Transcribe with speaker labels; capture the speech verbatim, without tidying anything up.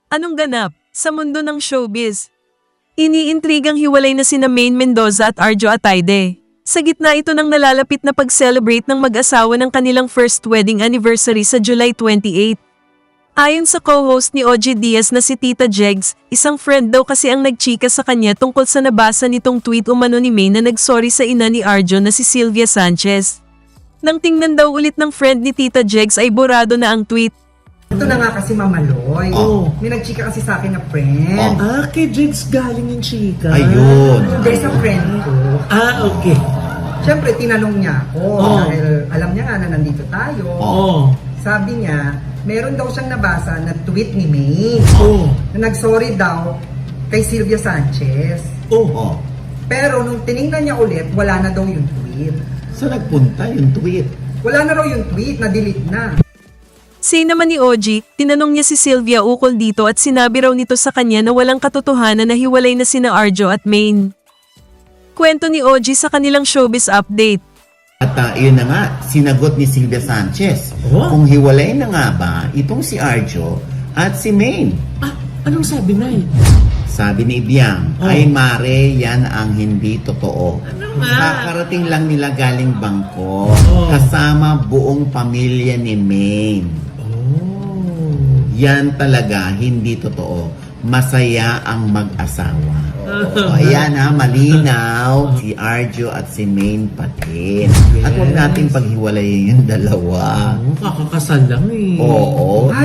Speaker 1: Anong ganap sa mundo ng showbiz? Iniintrigang hiwalay na sina Maine Mendoza at Arjo Ataide. Sa gitna ito ng nalalapit na pag-celebrate ng mag-asawa ng kanilang first wedding anniversary sa July twenty-eighth. Ayon sa co-host ni O G Diaz na si Tita Jegs, isang friend daw kasi ang nagchika sa kanya tungkol sa nabasa nitong tweet umano ni Maine na nagsorry sa ina ni Arjo na si Sylvia Sanchez. Nang tingnan daw ulit ng friend ni Tita Jegs ay borado na ang tweet.
Speaker 2: Ito na nga kasi Mamaloy.
Speaker 3: Oh.
Speaker 2: May nagchika kasi sa akin na friend.
Speaker 3: Ah, kay Jigs galing yung chika.
Speaker 4: Ayun.
Speaker 2: Hindi sa friend ko.
Speaker 3: Ah, okay.
Speaker 2: Siyempre, tinanong niya ako.
Speaker 3: Oh.
Speaker 2: Dahil alam niya nga na nandito tayo.
Speaker 3: Oh.
Speaker 2: Sabi niya, meron daw siyang nabasa na tweet ni May.
Speaker 3: Oh.
Speaker 2: Na nagsorry daw kay Sylvia Sanchez.
Speaker 3: Oh.
Speaker 4: Oh.
Speaker 2: Pero nung tiningnan niya ulit, wala na daw yung tweet.
Speaker 4: Saan nagpunta yung tweet?
Speaker 2: Wala na raw yung tweet, na-delete na.
Speaker 1: Say naman ni O G, tinanong niya si Sylvia ukol dito at sinabi raw nito sa kanya na walang katotohanan na hiwalay na sina Arjo at Maine. Kwento ni O G sa kanilang showbiz update.
Speaker 4: At uh, yun na nga, sinagot ni Sylvia Sanchez.
Speaker 3: Oh?
Speaker 4: Kung hiwalay na nga ba itong si Arjo at si Maine.
Speaker 3: Ah, anong sabi na eh?
Speaker 4: Sabi ni Ibiang,
Speaker 3: Oh.
Speaker 4: ay mare, yan ang hindi totoo.
Speaker 3: Ano nga?
Speaker 4: Kakarating lang nila galing Bangkok,
Speaker 3: Oh.
Speaker 4: kasama buong pamilya ni Maine.
Speaker 3: Oh.
Speaker 4: Yan talaga, hindi totoo. Masaya ang mag-asawa. O, ayan ha, malinaw. Si Arjo at si Maine pati. At huwag nating paghiwalayin yung dalawa.
Speaker 3: Oh, kakakasal lang eh.
Speaker 4: Oo.